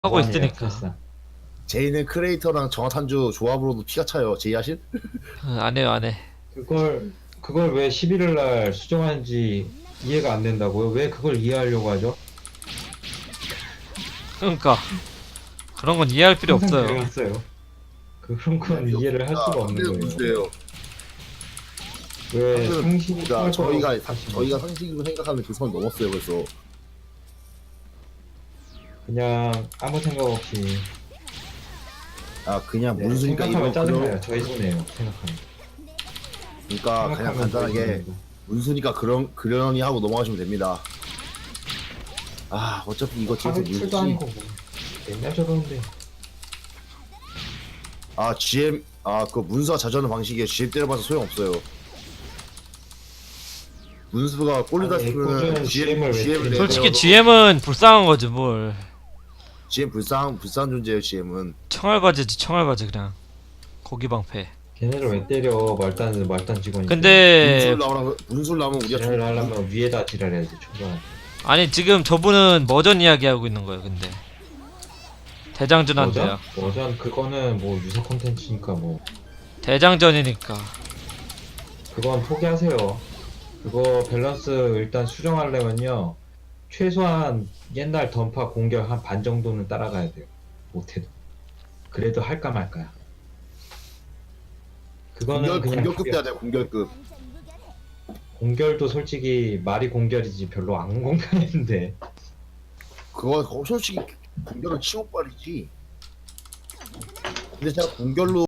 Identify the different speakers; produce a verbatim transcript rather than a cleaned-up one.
Speaker 1: 하고
Speaker 2: 뭐하냐,
Speaker 1: 있으니까.
Speaker 2: 역사상.
Speaker 3: 제이는 크레이터랑 정화탄주 조합으로도 피가 차요. 제이 하실?
Speaker 1: 어, 안 해요, 안 해.
Speaker 2: 그걸 그걸 왜 십일일 날 수정하는지 이해가 안 된다고요? 왜 그걸 이해하려고 하죠?
Speaker 1: 그러니까 그런 건 이해할 필요
Speaker 2: 항상
Speaker 1: 없어요.
Speaker 2: 그래왔어요. 그런 건 이해를 할 수가 없는 거예요.
Speaker 3: 문제예요.
Speaker 2: 왜
Speaker 3: 사실은
Speaker 2: 상식이
Speaker 3: 그러니까 저희가
Speaker 2: 통할
Speaker 3: 사-
Speaker 2: 것으로
Speaker 3: 저희가 상식으로 생각하는 그 선 넘었어요. 그래서
Speaker 2: 그냥 아무 생각 없이
Speaker 3: 아 그냥
Speaker 2: 네,
Speaker 3: 문수니까
Speaker 2: 생각하면
Speaker 3: 이거
Speaker 2: 짜증나요.
Speaker 3: 그런
Speaker 2: 저희 손해요. 생각하면.
Speaker 3: 그러니까 그냥
Speaker 2: 생각하면 저희
Speaker 3: 간단하게
Speaker 2: 손해입니다.
Speaker 3: 문수니까 그런 그러니 하고 넘어가시면 됩니다. 아 어차피 이거 뒤에서
Speaker 2: 하루 출도
Speaker 3: 문수
Speaker 2: 아니고 뭐 맨날 저러는데
Speaker 3: 아 지엠 아 그 문수가 자주하는 방식에 지엠 때려봐서 소용 없어요. 문수가 꼴리다
Speaker 2: 아니,
Speaker 3: 싶으면
Speaker 2: 꾸준한 지엠을 왜
Speaker 3: 지엠을
Speaker 2: 때려요?
Speaker 1: 솔직히 지엠은 불쌍한 거지 뭘.
Speaker 3: 지엠 불쌍 불쌍한 존재예요. 지엠은
Speaker 1: 청알바지지 청알바지 그냥. 고기 방패.
Speaker 2: 걔네를 왜 때려? 말단 말단 직원이.
Speaker 1: 근데
Speaker 3: 문술 나오면 문술 나오면 우리가
Speaker 2: 지랄을 하려면 위에다 지랄해야지 초반.
Speaker 1: 아니 지금 저분은 머전 이야기 하고 있는 거예요. 근데 대장전한대요.
Speaker 2: 버전? 버전 그거는 뭐 유사 콘텐츠니까 뭐
Speaker 1: 대장전이니까.
Speaker 2: 그건 포기하세요. 그거 밸런스 일단 수정하려면요 최소한 옛날 던파 공격 한 반 정도는 따라가야 돼요. 못해도 그래도 할까 말까야. 그거는
Speaker 3: 공격
Speaker 2: 그냥
Speaker 3: 공격급
Speaker 2: 포기하-
Speaker 3: 돼야 돼. 공격급.
Speaker 2: 공결도 솔직히 말이 공결이지 별로 안 공평했는데
Speaker 3: 그거 그거 솔직히 공격은 치고빨이지. 근데 제가 공격로